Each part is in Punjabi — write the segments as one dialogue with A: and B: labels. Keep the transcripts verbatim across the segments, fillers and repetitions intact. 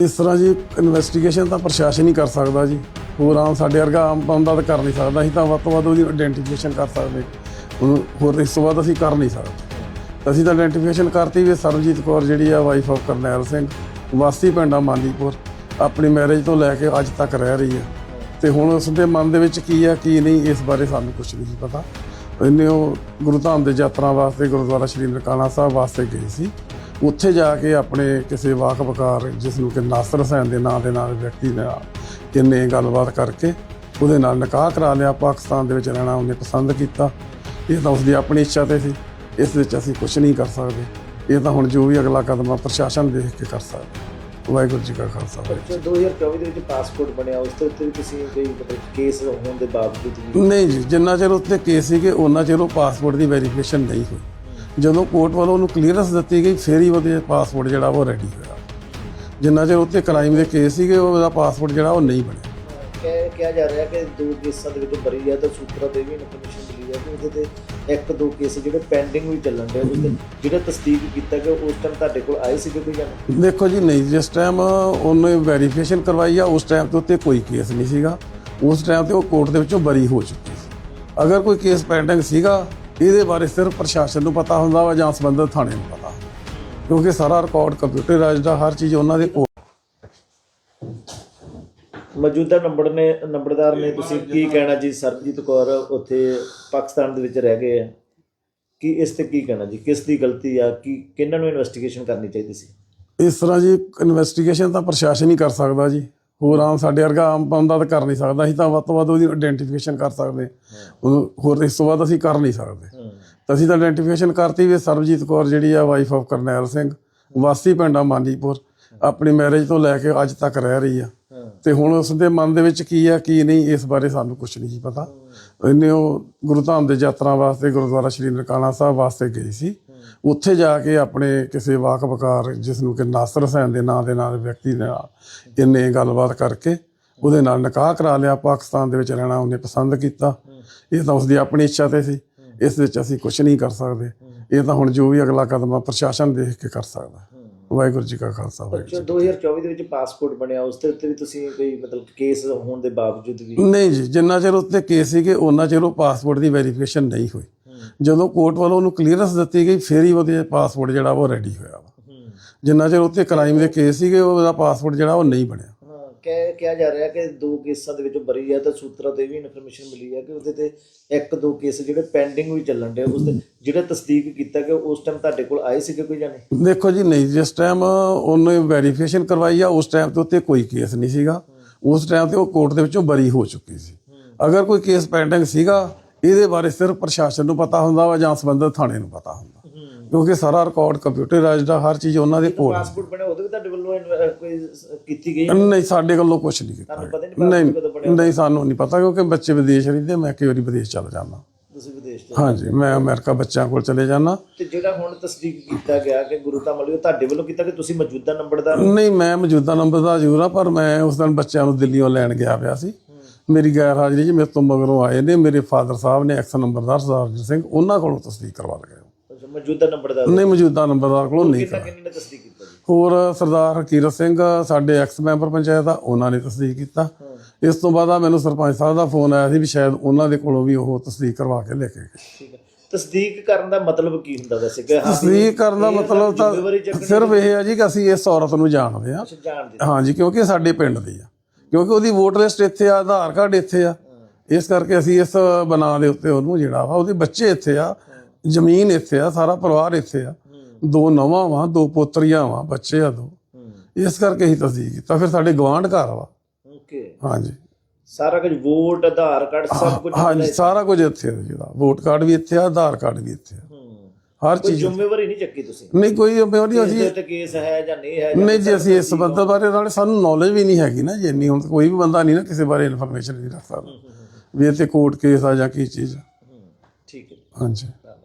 A: इस तरह जी इन्वेस्टिगेशन तो प्रशासन ही कर सकता जी। होर आम साढ़े वर्गा आम बंदा तो कर नहीं सकता। असीं तां वध तों वध उहदी आइडेंटिफिकेशन कर सकते, होर इस तो बाद असीं कर नहीं सकते। असीं तां आइडेंटिफिकेशन करती भी सरबजीत कौर जिहड़ी आ वाइफ ऑफ करनैल सिंह, वासी पिंड आ मालीपुर, अपनी मैरिज तो लैके अज तक रह रही है। तो हुण उसके मन दे विच की है की नहीं, इस बारे सानूं कुछ नहीं पता। इन्हें वो गुरु धाम दे यात्रा वास्ते गुरुद्वारा श्री ननकाना साहब वास्ते गई सी। उत्थे जाके अपने किसी वाकबकार जिसनूं कि नासर हुसैन के नाम के नाल व्यक्ति ने इन्हें गलबात करके उहदे नाल निकाह करा लिया। पाकिस्तान दे विच रहना उन्हें पसंद किया। ये तो उसकी अपनी इच्छा ते सी, इस विच असीं कुछ नहीं कर सकते। ये तो हुण जो भी अगला कदम प्रशासन देख के कर सकते। वाहिगुरू जी का खालसा।
B: दो हज़ार चौबी ਦੇ ਵਿੱਚ ਪਾਸਪੋਰਟ ਬਣਿਆ, ਉਸ ਤੇ ਉੱਤੇ ਵੀ ਤੁਸੀਂ ਕੋਈ ਮਤਲਬ ਕੇਸ ਹੋਣ ਦੇ ਬਾਵਜੂਦ ਵੀ
A: नहीं जी, जिन्ना चਿਰ उत्ते केस सीगे उन्ना चਿਰ ਉਹ पासपोर्ट की वेरीफिकेशन नहीं हुई। ਜਦੋਂ ਕੋਰਟ ਵੱਲੋਂ ਉਹਨੂੰ ਕਲੀਅਰੈਂਸ ਦਿੱਤੀ ਗਈ ਫਿਰ ਹੀ ਉਹਦੇ ਪਾਸਪੋਰਟ ਜਿਹੜਾ ਉਹ ਰੈਡੀ ਹੋਇਆ। ਜਿੰਨਾ ਚਿਰ ਉੱਤੇ ਕ੍ਰਾਈਮ ਦੇ ਕੇਸ ਸੀਗੇ ਉਹਦਾ ਪਾਸਪੋਰਟ ਜਿਹੜਾ ਉਹ ਨਹੀਂ ਬਣਿਆ।
B: ਕਹਿ ਕਿਹਾ ਜਾ ਰਿਹਾ ਕਿ ਦੋ ਕੇਸਾਂ ਦੇ ਵਿੱਚ ਬਰੀ ਹੈ ਤਾਂ ਸੂਤਰਾਂ ਤੇ ਵੀ ਇਨਫੋਰਮੇਸ਼ਨ ਮਿਲੀ ਹੈ ਕਿ ਉਹਦੇ ਤੇ ਇੱਕ ਦੋ ਕੇਸ ਜਿਹੜੇ ਪੈਂਡਿੰਗ ਵੀ ਚੱਲਣ ਦੇ ਉਹਦੇ ਜਿਹੜਾ ਤਸਦੀਕ ਕੀਤਾ ਕਿ ਉਸ ਟਾਈਮ ਤੁਹਾਡੇ ਕੋਲ ਆਏ ਸੀਗੇ ਕੋਈ ਜਾਣ?
A: ਦੇਖੋ ਜੀ ਨਹੀਂ, ਜਿਸ ਟਾਈਮ ਉਹਨੇ ਵੈਰੀਫਿਕੇਸ਼ਨ ਕਰਵਾਈ ਆ ਉਸ ਟਾਈਮ ਤੇ ਉੱਤੇ ਕੋਈ ਕੇਸ ਨਹੀਂ ਸੀਗਾ। ਉਸ ਟਾਈਮ ਤੇ ਉਹ ਕੋਰਟ ਦੇ ਵਿੱਚੋਂ ਬਰੀ ਹੋ ਚੁੱਕੀ ਸੀ। ਅਗਰ ਕੋਈ ਕੇਸ ਪੈਂਡਿੰਗ ਸੀਗਾ ਇਹਦੇ ਬਾਰੇ ਸਿਰਫ ਪ੍ਰਸ਼ਾਸਨ ਨੂੰ ਪਤਾ ਹੁੰਦਾ ਵਾ ਜਾਂ ਸੰਬੰਧਿਤ ਥਾਣੇ ਨੂੰ ਪਤਾ, ਕਿਉਂਕਿ ਸਾਰਾ ਰਿਕਾਰਡ ਕੰਪਿਊਟਰਾਈਜ਼ਡ ਆ, ਹਰ ਚੀਜ਼ ਉਹਨਾਂ ਦੇ ਕੋਲ।
B: ਮੌਜੂਦਾ ਨੰਬਰ ਨੇ ਨੰਬਰਦਾਰ ਨੇ ਤੁਸੀਂ ਕੀ ਕਹਿਣਾ ਜੀ? ਸਰਬਜੀਤ ਕੌਰ ਉੱਥੇ ਪਾਕਿਸਤਾਨ ਦੇ ਵਿੱਚ ਰਹਿ ਗਏ ਆ, ਕੀ ਇਸ ਤੇ ਕੀ ਕਹਿਣਾ ਜੀ? ਕਿਸ ਦੀ ਗਲਤੀ ਆ? ਕੀ ਕਿਹਨਾਂ ਨੂੰ ਇਨਵੈਸਟੀਗੇਸ਼ਨ ਕਰਨੀ ਚਾਹੀਦੀ ਸੀ?
A: ਇਸ ਤਰ੍ਹਾਂ ਜੀ ਇਨਵੈਸਟੀਗੇਸ਼ਨ ਤਾਂ ਪ੍ਰਸ਼ਾਸਨ ਹੀ ਕਰ ਸਕਦਾ ਜੀ। ਹੋਰ ਆਮ ਸਾਡੇ ਵਰਗਾ ਆਮ ਬੰਦਾ ਤਾਂ ਕਰ ਨਹੀਂ ਸਕਦਾ। ਅਸੀਂ ਤਾਂ ਵੱਧ ਤੋਂ ਵੱਧ ਉਹਦੀ ਆਈਡੈਂਟੀਫਿਕੇਸ਼ਨ ਕਰ ਸਕਦੇ, ਹੋਰ ਇਸ ਤੋਂ ਬਾਅਦ ਅਸੀਂ ਕਰ ਨਹੀਂ ਸਕਦੇ। ਤਾਂ ਅਸੀਂ ਤਾਂ ਆਈਡੈਂਟੀਫਿਕੇਸ਼ਨ ਕਰਤੀ ਵੀ ਸਰਬਜੀਤ ਕੌਰ ਜਿਹੜੀ ਆ ਵਾਈਫ ਆਫ ਕਰਨੈਲ ਸਿੰਘ, ਵਾਸੀ ਪਿੰਡ ਆ ਮਾਲੀਪੁਰ, ਆਪਣੀ ਮੈਰਿਜ ਤੋਂ ਲੈ ਕੇ ਅੱਜ ਤੱਕ ਰਹਿ ਰਹੀ ਆ। ਤੇ ਹੁਣ ਉਸਦੇ ਮਨ ਦੇ ਵਿੱਚ ਕੀ ਹੈ ਕੀ ਨਹੀਂ, ਇਸ ਬਾਰੇ ਸਾਨੂੰ ਕੁਛ ਨਹੀਂ ਪਤਾ। ਇਹਨੇ ਉਹ ਗੁਰੂ ਧਾਮ ਦੇ ਯਾਤਰਾ ਵਾਸਤੇ ਗੁਰਦੁਆਰਾ ਸ਼੍ਰੀ ਨਨਕਾਣਾ ਸਾਹਿਬ ਵਾਸਤੇ ਗਈ ਸੀ। ਉੱਥੇ ਜਾ ਕੇ ਆਪਣੇ ਕਿਸੇ ਵਾਕਬਕਾਰ ਜਿਸਨੂੰ ਕਿ ਨਾਸਰ ਹੁਸੈਨ ਦੇ ਨਾਂ ਦੇ ਨਾਲ ਵਿਅਕਤੀ ਨੇ ਇੰਨੇ ਗੱਲਬਾਤ ਕਰਕੇ ਉਹਦੇ ਨਾਲ ਨਿਕਾਹ ਕਰਾ ਲਿਆ। ਪਾਕਿਸਤਾਨ ਦੇ ਵਿੱਚ ਰਹਿਣਾ ਉਹਨੇ ਪਸੰਦ ਕੀਤਾ। ਇਹ ਤਾਂ ਉਸਦੀ ਆਪਣੀ ਇੱਛਾ ਤੇ ਸੀ, ਇਸ ਵਿੱਚ ਅਸੀਂ ਕੁਛ ਨਹੀਂ ਕਰ ਸਕਦੇ। ਇਹ ਤਾਂ ਹੁਣ ਜੋ ਵੀ ਅਗਲਾ ਕਦਮ ਆ ਪ੍ਰਸ਼ਾਸਨ ਦੇਖ ਕੇ ਕਰ ਸਕਦਾ। ਵਾਹਿਗੁਰੂ ਜੀ ਕਾ ਖਾਲਸਾ। ਵਾਹਿਗੁਰੂ।
B: ਦੋ ਹਜ਼ਾਰ ਚੌਵੀ ਦੇ ਵਿੱਚ ਪਾਸਪੋਰਟ ਬਣਿਆ, ਉਸ ਦੇ ਉੱਤੇ ਵੀ ਤੁਸੀਂ ਕੋਈ ਮਤਲਬ ਕੇਸ ਹੋਣ ਦੇ ਬਾਵਜੂਦ ਵੀ?
A: ਨਹੀਂ ਜੀ, ਜਿੰਨਾ ਚਿਰ ਉੱਤੇ ਕੇਸ ਸੀਗੇ ਉਹਨਾਂ ਚਿਰ ਉਹ ਪਾਸਪੋਰਟ ਦੀ ਵੈਰੀਫਿਕੇਸ਼ਨ ਨਹੀਂ ਹੋਈ। ਜਦੋਂ ਕੋਰਟ ਵੱਲੋਂ ਉਹਨੂੰ ਕਲੀਅਰੈਂਸ ਦਿੱਤੀ ਗਈ ਫਿਰ ਹੀ ਉਹਦੇ ਪਾਸਪੋਰਟ ਜਿਹੜਾ ਉਹ ਰੈਡੀ ਹੋਇਆ ਵਾ। ਜਿੰਨਾ ਚਿਰ ਉੱਤੇ ਕ੍ਰਾਈਮ ਦੇ ਕੇਸ ਸੀਗੇ ਉਹਦਾ ਪਾਸਪੋਰਟ ਜਿਹੜਾ ਉਹ ਨਹੀਂ ਬਣਿਆ।
B: ਕਹਿ ਕਿਹਾ ਜਾ ਰਿਹਾ ਕਿ ਦੋ ਕੇਸਾਂ ਦੇ ਵਿੱਚ ਬਰੀ ਹੈ ਤਾਂ ਸੂਤਰਾਂ ਤੇ ਵੀ ਇਨਫੋਰਮੇਸ਼ਨ ਮਿਲੀ ਹੈ ਕਿ ਉਹਦੇ ਤੇ ਇੱਕ ਦੋ ਕੇਸ ਜਿਹੜੇ ਪੈਂਡਿੰਗ ਵੀ ਚੱਲਣ ਦੇ ਉਸ ਤੇ ਜਿਹੜਾ ਤਸਦੀਕ ਕੀਤਾ ਕਿ ਉਸ ਟਾਈਮ ਤੁਹਾਡੇ ਕੋਲ ਆਏ ਸੀਗੇ ਕੋਈ ਜਾਣੇ?
A: ਦੇਖੋ ਜੀ ਨਹੀਂ, ਜਿਸ ਟਾਈਮ ਉਹਨੇ ਵੈਰੀਫਿਕੇਸ਼ਨ ਕਰਵਾਈ ਆ ਉਸ ਟਾਈਮ ਤੇ ਉੱਤੇ ਕੋਈ ਕੇਸ ਨਹੀਂ ਸੀਗਾ। ਉਸ ਟਾਈਮ ਤੇ ਉਹ ਕੋਰਟ ਦੇ ਵਿੱਚੋਂ ਬਰੀ ਹੋ ਚੁੱਕੀ ਸੀ। ਅਗਰ ਕੋਈ ਕੇਸ ਪੈਂਡਿੰਗ ਸੀਗਾ ਇਹਦੇ ਬਾਰੇ ਸਿਰਫ ਪ੍ਰਸ਼ਾਸਨ ਨੂੰ ਪਤਾ ਹੁੰਦਾ ਵਾ ਜਾਂ ਸੰਬੰਧਿਤ ਥਾਣੇ ਨੂੰ ਪਤਾ ਹੁੰਦਾ, ਕਿਉਂਕਿ ਸਾਰਾ ਰਿਕਾਰਡ ਕੰਪਿਊਟਰਾਈਜ਼ਡ ਆ, ਹਰ ਚੀਜ਼ ਉਹਨਾਂ ਦੇ ਕੋਲ।
B: ਪਾਸਪੋਰਟ ਬਣਿਆ ਉਹਦੇ ਵੀ ਤੁਹਾਡੇ ਵੱਲੋਂ ਕੋਈ ਕੀਤੀ ਗਈ?
A: ਨਹੀਂ, ਸਾਡੇ ਵੱਲੋਂ ਕੁਛ ਨਹੀਂ ਕੀਤਾ। ਨਹੀਂ ਨਹੀਂ, ਸਾਨੂੰ ਨਹੀਂ ਪਤਾ ਕਿਉਂਕਿ ਬੱਚੇ ਵਿਦੇਸ਼ ਰਹਿੰਦੇ। ਮੈਂ ਕਈ ਵਾਰੀ ਵਿਦੇਸ਼ ਚਲਾ ਜਾਂਦਾ।
B: ਤੁਸੀਂ ਵਿਦੇਸ਼ ਚ?
A: ਹਾਂਜੀ, ਮੈਂ ਅਮਰੀਕਾ ਬੱਚਿਆਂ ਕੋਲ ਚਲੇ ਜਾਂਦਾ।
B: ਤੇ ਜਿਹੜਾ ਹੁਣ ਤਸਦੀਕ ਕੀਤਾ ਗਿਆ ਕਿ ਗੁਰੂ ਧਾਮ ਵਾਲੀ, ਉਹ ਤੁਹਾਡੇ ਵੱਲੋਂ ਕੀਤਾ ਕਿ ਤੁਸੀਂ ਮੌਜੂਦਾ ਨੰਬਰਦਾਰ?
A: ਨਹੀਂ, ਮੈਂ ਮੌਜੂਦਾ ਨੰਬਰਦਾਰ ਜ਼ਰੂਰ ਆ, ਪਰ ਮੈਂ ਉਸ ਦਿਨ ਬੱਚਿਆਂ ਨੂੰ ਦਿੱਲੀੋਂ ਲੈਣ ਗਿਆ ਪਿਆ ਸੀ। ਮੇਰੀ ਗੈਰ ਹਾਜ਼ਰੀ 'ਚ ਮੇਰੇ ਤੋਂ ਮਗਰੋਂ ਆਏ ਨੇ ਮੇਰੇ ਫਾਦਰ ਸਾਹਿਬ ਨੇ, ਐਕਸ ਨੰਬਰਦਾਰ ਸਰਦਾਰ ਸਿੰਘ, ਉਹਨਾਂ ਕੋਲੋਂ ਤਸਦੀਕ ਕਰਵਾ ਲਏ।
B: ਮੌਜੂਦਾ ਨੰਬਰਦਾਰ?
A: ਨਹੀਂ, ਮੌਜੂਦਾ ਨੰਬਰਦਾਰ ਕੋਲੋਂ ਨਹੀਂ।
B: ਕਿਹਨੇ ਤਸਦੀਕ ਕੀਤਾ ਜੀ?
A: ਹੋਰ ਸਰਦਾਰ ਹਕੀਰਤ ਸਿੰਘ ਸਾਡੇ ਐਕਸ ਮੈਂਬਰ ਪੰਚਾਇਤ ਆ, ਉਹਨਾਂ ਨੇ ਤਸਦੀਕ ਕੀਤਾ। ਇਸ ਤੋਂ ਬਾਅਦ ਆ ਮੈਨੂੰ ਸਰਪੰਚ ਸਾਹਿਬ ਦਾ ਫੋਨ ਆਇਆ ਸੀ ਵੀ ਸ਼ਾਇਦ ਉਹਨਾਂ ਦੇ ਕੋਲੋਂ ਵੀ ਉਹ ਤਸਦੀਕ ਕਰਵਾ ਕੇ ਲੈ ਕੇ ਗਏ।
B: ਠੀਕ ਹੈ। ਤਸਦੀਕ ਕਰਨ ਦਾ ਮਤਲਬ ਕੀ ਹੁੰਦਾ ਵੈਸੇ?
A: ਤਸਦੀਕ ਕਰਨ ਦਾ ਮਤਲਬ ਤਾਂ ਸਿਰਫ ਇਹ ਹੈ ਜੀ ਕਿ ਅਸੀਂ ਇਸ ਔਰਤ ਨੂੰ ਜਾਣਦੇ ਹਾਂ। ਹਾਂਜੀ, ਕਿਉਂਕਿ ਸਾਡੇ ਪਿੰਡ ਦੀ ਆ, ਕਿਉਂਕਿ ਉਹਦੀ ਵੋਟ ਲਿਸਟ ਇੱਥੇ ਆ, ਆਧਾਰ ਕਾਰਡ ਇੱਥੇ ਆ, ਇਸ ਕਰਕੇ ਅਸੀਂ ਇਸ ਬਣਾ ਦੇ ਉੱਤੇ ਉਹਨੂੰ ਜਿਹੜਾ ਵਾ, ਉਹਦੇ ਬੱਚੇ ਇੱਥੇ ਆ, ਜ਼ਮੀਨ ਇੱਥੇ ਆ, ਸਾਰਾ ਪਰਿਵਾਰ ਇੱਥੇ ਆ, ਦੋ ਨੌਵਾਂ ਵਾ, ਦੋ ਪੋਤਰੀਆਂ ਵਾ, ਬੱਚੇ ਆ ਦੋ, ਇਸ ਕਰਕੇ ਅਸੀਂ ਤਸਦੀਕ ਕੀਤਾ। ਫਿਰ ਸਾਡੇ ਗਵਾਂਢ ਘਰ ਵਾ। ਹਾਂਜੀ,
B: ਸਾਰਾ ਕੁਝ ਵੋਟ ਆਧਾਰ ਕਾਰਡ ਸਭ ਕੁਝ?
A: ਹਾਂਜੀ, ਸਾਰਾ ਕੁਝ ਇੱਥੇ ਆ, ਜਿਹੜਾ ਵੋਟ ਕਾਰਡ ਵੀ ਇੱਥੇ ਆ, ਆਧਾਰ ਕਾਰਡ ਵੀ ਇੱਥੇ ਆ, ਹਰ ਚੀਜ਼।
B: ਜ਼ਿੰਮੇਵਾਰੀ ਨਹੀਂ ਚੱਕੀ ਤੁਸੀਂ?
A: ਨਹੀਂ, ਕੋਈ ਜ਼ਿੰਮੇਵਾਰੀ ਅਸੀਂ
B: ਤੇ ਕੇਸ ਹੈ ਜਾਂ ਨਹੀਂ ਹੈ?
A: ਨਹੀਂ ਜੀ, ਅਸੀਂ ਇਸ ਸੰਬੰਧ ਬਾਰੇ ਨਾਲ ਸਾਨੂੰ ਨੌਲੇਜ ਵੀ ਨਹੀਂ ਹੈਗੀ ਨਾ ਜੀ ਇੰਨੀ। ਹੁਣ ਕੋਈ ਵੀ ਬੰਦਾ ਨਹੀਂ ਨਾ ਕਿਸੇ ਬਾਰੇ ਇਨਫੋਰਮੇਸ਼ਨ ਨਹੀਂ ਰੱਖ ਸਕਦਾ ਵੀ ਇਹ ਤੇ ਕੋਰਟ ਕੇਸ ਆ ਜਾਂ ਕੀ ਚੀਜ਼।
B: ਠੀਕ ਹੈ,
A: ਹਾਂਜੀ।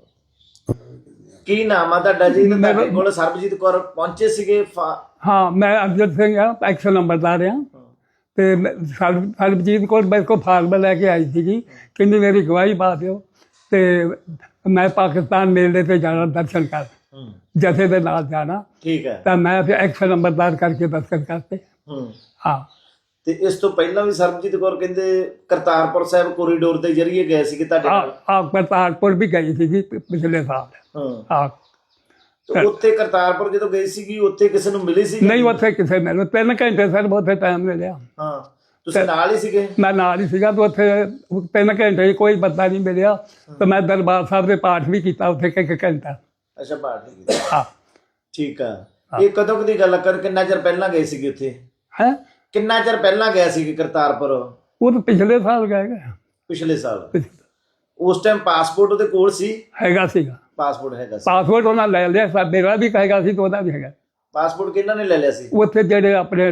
B: ਕੀ ਨਾਮ ਆ ਤੁਹਾਡਾ ਜੀ? ਤੁਹਾਡੇ ਕੋਲ ਸਰਬਜੀਤ ਕੌਰ ਪਹੁੰਚੇ ਸੀਗੇ?
C: ਹਾਂ, ਮੈਂ ਅਮਜਦ ਸਿੰਘ ਆ, ਐਕਸ ਨੰਬਰਦਾਰ ਆ। ਤੇ ਸਰਬਜੀਤ ਕੌਰ ਮੇਰੇ ਕੋਲ ਫਾਰਮ ਲੈ ਕੇ ਆਈ ਸੀਗੀ, ਕਹਿੰਦੀ ਮੇਰੀ ਗਵਾਹੀ ਪਾ ਦਿਓ ਤੇ ਮੈਂ ਪਾਕਿਸਤਾਨ ਮੇਲੇ ਤੇ ਜਾਣਾ ਦਰਸ਼ਨ ਕਰ। ਜਥੇ ਦੇ ਨਾਲ ਜਾਣਾ।
B: ਠੀਕ ਹੈ।
C: ਤਾਂ ਮੈਂ ਫਿਰ ਐਕਸ਼ਨ ਨੰਬਰਦਾਰ ਕਰਕੇ ਦਸਤਖਤ ਕਰਤੇ।
B: ਹੂੰ।
C: ਹਾਂ
B: ਤੇ ਇਸ ਤੋਂ ਪਹਿਲਾਂ ਵੀ ਸਰਬਜੀਤ ਕੌਰ ਕਹਿੰਦੇ ਕਰਤਾਰਪੁਰ ਸਾਹਿਬ ਕੋਰੀਡੋਰ ਦੇ ਜ਼ਰੀਏ ਗਏ ਸੀਗੇ ਤੁਹਾਡੇ ਨਾਲ।
C: ਆ ਕਰਤਾਰਪੁਰ ਵੀ ਗਈ ਸੀ ਜੀ ਪਿਛਲੇ ਸਾਲ।
B: ਹਾਂ।
C: ਹਾਂ
B: ਤੇ ਉੱਥੇ ਕਰਤਾਰਪੁਰ ਜਦੋਂ ਗਈ ਸੀਗੀ ਉੱਥੇ ਕਿਸੇ ਨੂੰ ਮਿਲੀ ਸੀ?
C: ਨਹੀਂ ਉੱਥੇ ਕਿਸੇ ਮੈਨੂੰ ਤਿੰਨ ਘੰਟੇ ਸਰ ਉੱਥੇ ਟਾਈਮ ਮਿਲਿਆ।
B: ਹਾਂ ਤੁਸੀਂ ਨਾਲ ਹੀ ਸੀਗੇ?
C: ਮੈਂ ਨਾਲ ਹੀ ਸੀਗਾ ਤੇ ਉੱਥੇ ਤਿੰਨ ਘੰਟੇ ਕੋਈ ਬੰਦਾ ਨਹੀਂ ਮਿਲਿਆ ਤੇ ਮੈਂ ਦਰਬਾਰ ਸਾਹਿਬ ਦੇ ਪਾਠ ਵੀ ਕੀਤਾ ਉੱਥੇ ਇੱਕ ਘੰਟਾ।
B: ਅੱਛਾ ਪਾਠ ਵੀ ਕੀਤਾ।
C: ਹਾਂ
B: ਠੀਕ ਆ। ਇਹ ਕਦੋਂ ਦੀ ਗੱਲ ਕਰ ਕਿੰਨਾ ਚਿਰ ਪਹਿਲਾਂ ਗਏ ਸੀਗੇ ਉੱਥੇ?
C: ਹੈ
B: ਕਿੰਨਾ ਚਿਰ ਪਹਿਲਾਂ ਗਿਆ ਸੀ ਕਰਤਾਰਪੁਰ?
C: ਉਹ ਤਾਂ ਪਿਛਲੇ ਸਾਲ ਗਏ ਗਾ।
B: ਪਿਛਲੇ ਸਾਲ। ਉਸ ਟਾਈਮ ਪਾਸਪੋਰਟ ਉਹਦੇ ਕੋਲ ਸੀ?
C: ਹੈਗਾ ਸੀਗਾ ਪਾਸਪੋਰਟ।
B: ਹੈਗਾ ਸੀ
C: ਪਾਸਪੋਰਟ ਉਹਨਾਂ ਲੈ ਲਿਆ ਸਾ ਮੇਰਾ ਵੀ ਕਹੇਗਾ ਸੀ ਤੇ ਉਹਦਾ ਵੀ ਹੈਗਾ।
B: ਪਾਸਪੋਰਟ ਕਿਹਨਾਂ ਨੇ ਲੈ ਲਿਆ ਸੀ?
C: ਉੱਥੇ ਜਿਹੜੇ ਆਪਣੇ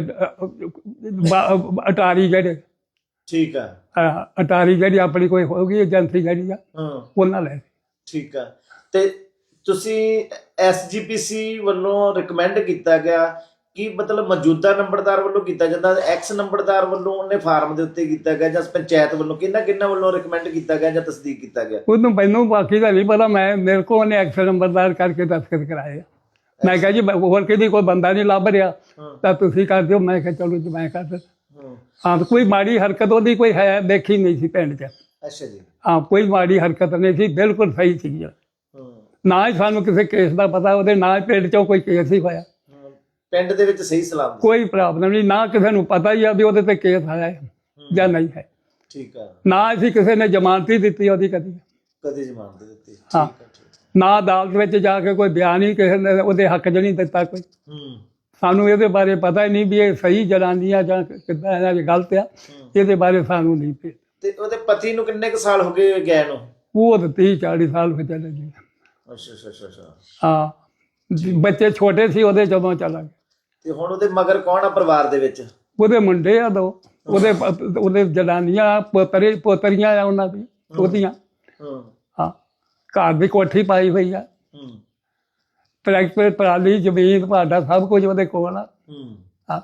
C: ਬਾ- ਅਟਾਰੀ ਜਿਹੜੇ।
B: ਠੀਕ ਆ।
C: ਹਾਂ, ਅਟਾਰੀ ਜਿਹੜੀ ਆਪਣੀ ਕੋਈ ਹੋਊਗੀ ਏਜੰਸੀ ਜਿਹੜੀ ਆ
B: ਹਾਂ
C: ਉਹਨਾਂ ਲੈ।
B: ਠੀਕ ਆ। ਤੇ ਤੁਸੀਂ ਐਸ ਜੀ ਪੀ ਸੀ ਵੱਲੋਂ ਰਿਕਮੈਂਡ ਕੀਤਾ ਗਿਆ ਕਿ ਮਤਲਬ ਮੌਜੂਦਾ ਨੰਬਰਦਾਰ ਵੱਲੋਂ ਕੀਤਾ ਜਾਂਦਾ, ਐਕਸ ਨੰਬਰਦਾਰ ਵੱਲੋਂ ਉਹਨੇ ਫਾਰਮ ਦੇ ਉੱਤੇ ਕੀਤਾ ਗਿਆ, ਜਾਂ ਪੰਚਾਇਤ ਵੱਲੋਂ ਕਿਹਨਾਂ ਕਿਹਨਾਂ ਵੱਲੋਂ ਰਿਕਮੈਂਡ ਕੀਤਾ ਗਿਆ ਜਾਂ ਤਸਦੀਕ ਕੀਤਾ ਗਿਆ?
C: ਉਹਨੂੰ ਮੈਨੂੰ ਬਾਕੀ ਦਾ ਨਹੀਂ ਪਤਾ। ਮੈਂ ਮੇਰੇ ਕੋਲ ਉਹਨੇ ਐਕਸ ਨੰਬਰਦਾਰ ਕਰਕੇ ਦਸਤਖਤ ਕਰਾਏ ਆ। ਮੈਂ ਕਿਹਾ ਜੀ ਹੋਰ ਕਿਹਦੀ ਕੋਈ ਬੰਦਾ ਨਹੀਂ ਲੱਭ ਰਿਹਾ ਤਾਂ ਤੁਸੀਂ ਕਰ ਦਿਓ। ਮੈਂ ਕਿਹਾ ਚਲੋ ਜੀ ਮੈਂ ਕਰ ਦਿੰਦਾ। ਹਾਂ ਕੋਈ ਮਾੜੀ ਹਰਕਤ ਉਹਦੀ ਕੋਈ ਹੈ ਦੇਖੀ ਨਹੀਂ ਸੀ ਪਿੰਡ 'ਚ।
B: ਅੱਛਾ ਜੀ।
C: ਹਾਂ ਕੋਈ ਮਾੜੀ ਹਰਕਤ ਨਹੀਂ ਸੀ, ਬਿਲਕੁਲ ਸਹੀ ਸੀ। ਨਾ ਹੀ ਸਾਨੂੰ ਕਿਸੇ ਕੇਸ ਦਾ ਪਤਾ ਉਹਦੇ, ਨਾ ਹੀ ਪਿੰਡ 'ਚੋਂ ਕੋਈ ਕੇਸ ਹੀ ਹੋਇਆ।
B: ਪਿੰਡ ਦੇ ਵਿੱਚ ਸਹੀ ਸਲਾਮ
C: ਕੋਈ ਪ੍ਰੋਬਲਮ ਨਹੀਂ, ਨਾ ਕਿਸੇ ਨੂੰ ਪਤਾ ਹੀ ਆ ਵੀ ਉਹਦੇ ਤੇ ਕੇਸ ਆਇਆ ਹੈ ਜਾਂ ਨਹੀਂ ਹੈ।
B: ਠੀਕ ਆ।
C: ਨਾ ਅਸੀਂ ਕਿਸੇ ਨੇ ਜ਼ਮਾਨਤ ਹੀ ਦਿੱਤੀ ਉਹਦੀ ਕਦੀ।
B: ਕਦੀ ਜ਼ਮਾਨਤ ਦਿੱਤੀ?
C: ਹਾਂ ਨਾ ਅਦਾਲਤ ਵਿੱਚ ਜਾ ਕੇ ਕੋਈ ਬਿਆਨ ਹੀ ਕਿਸੇ ਨੇ ਉਹਦੇ ਹੱਕ 'ਚ ਨਹੀਂ ਦਿੱਤਾ ਕੋਈ।
B: ਹੂੰ।
C: ਸਾਨੂੰ ਇਹਦੇ ਬਾਰੇ ਪਤਾ ਹੀ ਨਹੀਂ ਵੀ ਇਹ ਸਹੀ ਜਨਾਨੀ ਆ ਜਾਂ ਕਿੱਦਾਂ ਇਹਨਾਂ ਦੀ ਗਲਤ ਆ। ਇਹਦੇ ਬਾਰੇ ਸਾਨੂੰ ਨਹੀਂ ਪਤਾ।
B: ਤੇ ਉਹਦੇ ਪਤੀ ਨੂੰ ਕਿੰਨੇ ਕੁ ਸਾਲ ਹੋ ਗਏ ਗਏ ਨੂੰ?
C: ਉਹ ਤਾਂ ਤੀਹ ਚਾਲੀ ਸਾਲ ਹੋ ਚਲੇ ਗਏ।
B: ਅੱਛਾ ਅੱਛਾ ਅੱਛਾ ਅੱਛਾ।
C: ਹਾਂ ਬੱਚੇ ਛੋਟੇ ਸੀ ਉਹਦੇ ਜਦੋਂ ਚਲਾ ਗਿਆ।
B: ਤੇ ਹੁਣ ਉਹਦੇ ਮਗਰ ਕੌਣ ਆ ਪਰਿਵਾਰ ਦੇ ਵਿੱਚ?
C: ਉਹਦੇ ਮੁੰਡੇ ਆ ਦੋ, ਉਹਦੇ ਪ- ਉਹਦੇ ਜਨਾਨੀਆਂ ਪੋਤਰੇ ਪੋਤਰੀਆਂ ਆ ਉਹਨਾਂ ਦੀ ਉਹਦੀਆਂ।
B: ਹੂੰ।
C: ਹਾਂ ਘਰ ਦੀ ਕੋਠੀ ਪਾਈ ਹੋਈ ਆ,
B: ਹੂੰ।
C: ਟਰੈਕਟਰ ਟਰਾਲੀ ਜ਼ਮੀਨ ਭਾਡਾ ਸਭ ਕੁਝ ਉਹਦੇ ਕੋਲ ਆ।
B: ਹੂੰ।
C: ਹਾਂ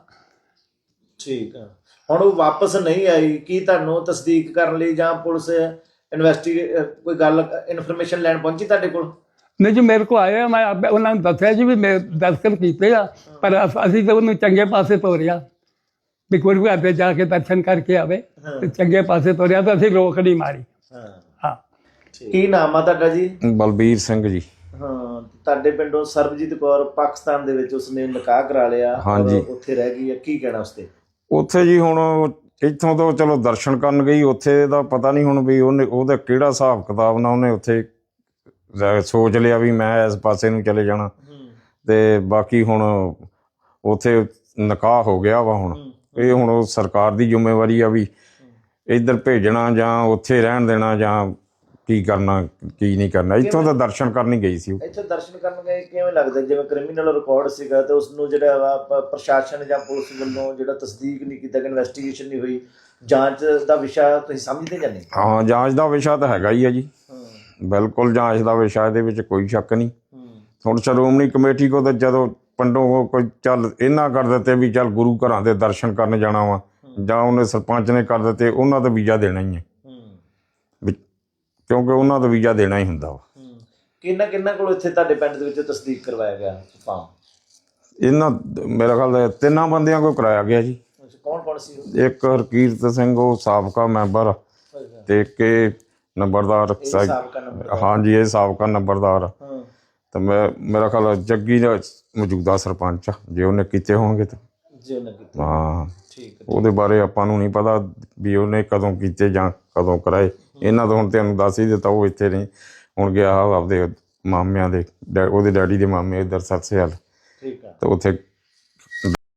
B: ਠੀਕ ਆ। ਹੁਣ ਉਹ ਵਾਪਸ ਨਹੀਂ ਆਈ, ਕੀ ਤੁਹਾਨੂੰ ਤਸਦੀਕ ਕਰਨ ਲਈ ਜਾਂ ਪੁਲਿਸ ਇਨਵੈਸਟੀਗੇ ਕੋਈ ਗੱਲ ਇਨਫੋਰਮੇਸ਼ਨ ਲੈਣ ਪਹੁੰਚੀ ਤੁਹਾਡੇ ਕੋਲ?
C: ਨਹੀਂ ਜੀ ਮੇਰੇ ਕੋਲ ਆਇਆ, ਮੈਂ ਆਪੇ ਉਹਨਾਂ ਨੂੰ ਦੱਸਿਆ ਜੀ ਵੀ ਮੈਂ ਦਸਤਖਤ ਕੀਤੇ ਆ, ਪਰ ਅਸ- ਅਸੀਂ ਤਾਂ ਉਹਨੂੰ ਚੰਗੇ ਪਾਸੇ ਤੋਰਿਆ ਵੀ ਗੁਰੂ ਘਰ ਤੇ ਜਾ ਕੇ ਦਰਸ਼ਨ ਕਰਕੇ ਆਵੇ ਤੇ ਚੰਗੇ ਪਾਸੇ ਤੋਰਿਆ, ਤਾਂ ਅਸੀਂ ਰੋਕ ਨਹੀਂ ਮਾਰੀ।
B: ਹਾਂ।
C: ਹਾਂ
B: ਕੀ ਨਾਮ ਆ ਤੁਹਾਡਾ ਜੀ?
D: ਬਲਬੀਰ ਸਿੰਘ ਜੀ।
B: ਹਾਂ ਤੁਹਾਡੇ ਪਿੰਡੋਂ ਸਰਬਜੀਤ ਕੌਰ ਪਾਕਿਸਤਾਨ ਦੇ ਵਿੱਚ ਉਸਨੇ ਨਿਕਾਹ ਕਰਾ ਲਿਆ,
D: ਹਾਂਜੀ।
B: ਔਰ ਉੱਥੇ ਰਹਿ ਗਈ ਹੈ, ਕੀ ਕਹਿਣਾ ਉਸ ਤੇ?
D: ਉੱਥੇ ਜੀ ਹੁਣ ਇੱਥੋਂ ਤੋਂ ਚਲੋ ਦਰਸ਼ਨ ਕਰਨ ਗਈ, ਉੱਥੇ ਦਾ ਪਤਾ ਨਹੀਂ ਹੁਣ ਵੀ ਉਹਨੇ ਉਹਦਾ ਕਿਹੜਾ ਹਿਸਾਬ ਕਿਤਾਬ ਨਾਲ ਉਹਨੇ ਉੱਥੇ ਰ- ਸੋਚ ਲਿਆ ਵੀ ਮੈਂ ਇਸ ਪਾਸੇ ਨੂੰ ਚਲੇ ਜਾਣਾ। ਤੇ ਬਾਕੀ ਹੁਣ ਉੱਥੇ ਨਿਕਾਹ ਹੋ ਗਿਆ ਵਾ। ਹੁਣ ਇਹ ਹੁਣ ਉਹ ਸਰਕਾਰ ਦੀ ਜ਼ਿੰਮੇਵਾਰੀ ਆ ਵੀ ਇੱਧਰ ਭੇਜਣਾ ਜਾਂ ਉੱਥੇ ਰਹਿਣ ਦੇਣਾ ਜਾਂ ਕੀ ਕਰਨਾ ਕੀ ਨਹੀਂ ਕਰਨਾ। ਇੱਥੋਂ ਤਾਂ ਦਰਸ਼ਨ ਕਰਨ ਹੀ ਗਈ ਸੀ ਉਹ।
B: ਇੱਥੇ ਦਰਸ਼ਨ ਕਰਨ ਗਏ, ਕਿਵੇਂ ਲੱਗਦਾ ਜਿਵੇਂ ਕ੍ਰਿਮੀਨਲ ਰਿਕਾਰਡ ਸੀਗਾ ਤੇ ਉਸ ਨੂੰ ਜਿਹੜਾ ਵਾ ਪ- ਪ੍ਰਸ਼ਾਸਨ ਜਾਂ ਪੁਲਿਸ ਵੱਲੋਂ ਜਿਹੜਾ ਤਸਦੀਕ ਨਹੀਂ ਕੀਤਾ, ਇਨਵੈਸਟੀਗੇਸ਼ਨ ਨਹੀਂ ਹੋਈ, ਜਾਂਚ ਦਾ ਵਿਸ਼ਾ ਤੁਸੀਂ ਸਮਝਦੇ ਜਾਂ ਨਹੀਂ?
D: ਹਾਂ ਜਾਂਚ ਦਾ ਵਿਸ਼ਾ ਤਾਂ ਹੈਗਾ ਹੀ ਆ ਜੀ, ਬਿਲਕੁਲ ਜਾਂਚ ਦਾ ਵਿਸ਼ਾ, ਇਹਦੇ ਵਿੱਚ ਕੋਈ ਸ਼ੱਕ ਨਹੀਂ। ਹੁਣ ਸ਼੍ਰੋਮਣੀ ਕਮੇਟੀ ਕੋ ਤਾਂ ਜਦੋਂ ਪਿੰਡੋਂ ਕੋਈ ਚੱਲ ਇਹਨਾਂ ਕਰ ਦਿੱਤੇ ਵੀ ਚੱਲ ਗੁਰੂ ਘਰਾਂ ਦੇ ਦਰਸ਼ਨ ਕਰਨ ਜਾਣਾ ਵਾ, ਜਾਂ ਉਹਨੇ ਸਰਪੰਚ ਨੇ ਕਰ ਦਿੱਤੇ, ਉਹਨਾਂ ਦਾ ਵੀਜ਼ਾ ਦੇਣਾ ਹੀ ਹੈ ਵੀ ਕਿਉਂਕਿ ਉਹਨਾਂ ਦਾ ਵੀਜ਼ਾ ਦੇਣਾ ਹੀ ਹੁੰਦਾ ਵਾ।
B: ਕਿੰਨਾ ਕਿੰਨਾ ਕੋਲ ਇੱਥੇ ਤੁਹਾਡੇ ਪਿੰਡ ਦੇ ਵਿੱਚ ਤਸਦੀਕ ਕਰਵਾਇਆ ਗਿਆ ਫਾਰਮ?
D: ਇਹਨਾਂ ਮੇਰਾ ਖਿਆਲ ਹੈ ਤਿੰਨਾਂ ਬੰਦਿਆਂ ਕੋਲ ਕਰਾਇਆ ਗਿਆ ਜੀ।
B: ਕੌਣ ਕੌਣ ਸੀ ਉਹ?
D: ਇੱਕ ਹਰਕੀਰਤ ਸਿੰਘ ਉਹ ਸਾਬਕਾ ਮੈਂਬਰ, ਤੇ ਇੱਕ ਇਹ ਨੰਬਰਦਾਰ।
B: ਸਾਬਕਾ ਨੰਬਰ?
D: ਹਾਂਜੀ ਇਹ ਸਾਬਕਾ ਨੰਬਰਦਾਰ।
B: ਹਾਂ।
D: ਤੇ ਮੈਂ ਮੇਰਾ ਖਿਆਲ ਹੈ ਜੱਗੀ ਦਾ ਮੌਜੂਦਾ ਸਰਪੰਚ ਆ, ਜੇ ਉਹਨੇ ਕੀਤੇ ਹੋਣਗੇ ਤਾਂ।
B: ਜੀ ਉਹਨੇ ਕੀਤਾ।
D: ਹਾਂ
B: ਠੀਕ ਹੈ।
D: ਉਹਦੇ ਬਾਰੇ ਆਪਾਂ ਨੂੰ ਨਹੀਂ ਪਤਾ ਵੀ ਉਹਨੇ ਕਦੋਂ ਕੀਤੇ ਜਾਂ ਕਦੋਂ ਕਰਾਏ। ਇਹਨਾਂ ਤੋਂ ਹੁਣ ਤੁਹਾਨੂੰ ਦੱਸ ਹੀ ਦਿੱਤਾ, ਉਹ ਇੱਥੇ ਨਹੀਂ, ਹੁਣ ਗਿਆ ਆਪਦੇ ਮਾਮਿਆਂ ਦੇ ਡੈ- ਉਹਦੇ ਡੈਡੀ ਦੇ ਮਾਮੇ ਇੱਧਰ ਸਰਸੇ ਵੱਲ,
B: ਠੀਕ ਆ।
D: ਤੇ ਉੱਥੇ